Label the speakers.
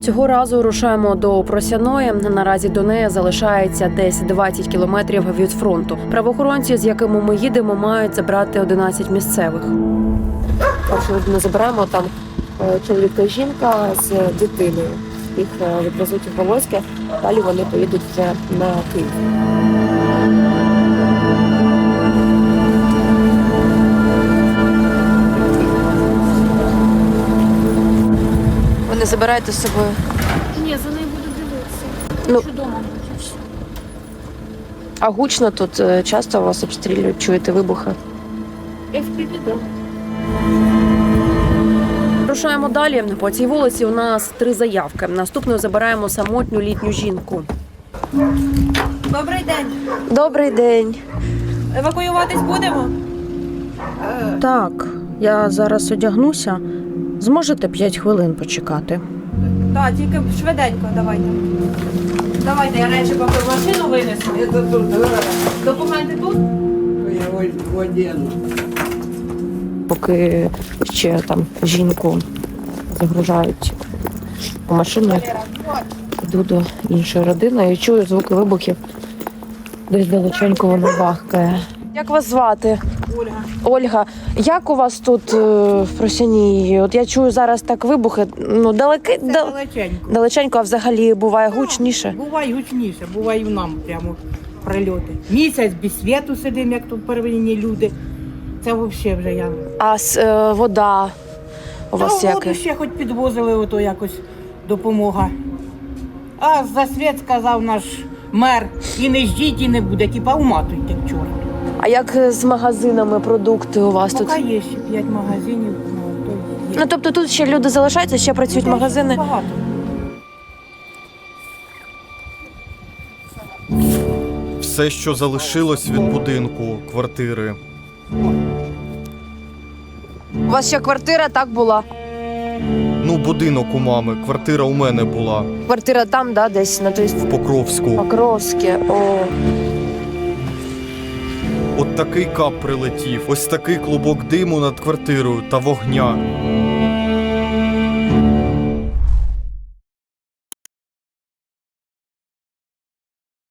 Speaker 1: Цього разу рушаємо до Просяної. Наразі до неї залишається десь 20 кілометрів від фронту. Правоохоронці, з якими ми їдемо, мають забрати 11 місцевих. Першу людину забираємо, там чоловік та жінка з дитиною. Їх відвезуть у Волоське, далі вони поїдуть вже на Київ. Ви не забираєте з собою?
Speaker 2: Ні, за нею буду дивитися.
Speaker 1: Ну.
Speaker 2: Хочу вдома бути.
Speaker 1: А гучно тут часто вас обстрілюють, чуєте вибухи?
Speaker 2: FPV.
Speaker 1: Рушаємо далі. По цій вулиці у нас 3 заявки. Наступною забираємо самотню літню жінку.
Speaker 3: Добрий день.
Speaker 1: Добрий день.
Speaker 3: Евакуюватись будемо?
Speaker 4: Так, я зараз одягнуся. Зможете 5 хвилин почекати?
Speaker 3: Так, тільки швиденько давайте. Давайте, я речі поки в машину винесу. Документи тут?
Speaker 1: Поки ще там жінку загружають у машину, йду до іншої родини і чую звуки вибухів. Десь далеченько воно бахкає. Як вас звати?
Speaker 3: Ольга.
Speaker 1: Ольга, як у вас тут в Просяній? От я чую зараз так вибухи, ну
Speaker 5: Далеченько.
Speaker 1: далеченько, а взагалі буває гучніше.
Speaker 5: Буває гучніше, буває і нам прямо прильоти. Місяць без світу сидимо, як тут первинні люди. Це взагалі вже я.
Speaker 1: А вода у вас
Speaker 5: Та воду
Speaker 1: яка?
Speaker 5: ще хоч підвозили, ото якось допомога. А за світ сказав наш мер, і не ждіть, і не буде, типа уматуйте к чорту.
Speaker 1: А як з магазинами продукти у вас тут?
Speaker 5: Поки є ще 5 магазинів, ну то є.
Speaker 1: Ну тобто тут ще люди залишаються, ще працюють
Speaker 5: Та й
Speaker 1: магазини.
Speaker 5: Багато.
Speaker 6: Все, що залишилось від будинку, квартири.
Speaker 1: У вас ще квартира так була?
Speaker 6: Ну, будинок у мами, квартира у мене була
Speaker 1: Квартира там, да, десь на той
Speaker 6: в Покровську.
Speaker 1: Покровське. О.
Speaker 6: От такий кап прилетів, ось такий клубок диму над квартирою та вогня.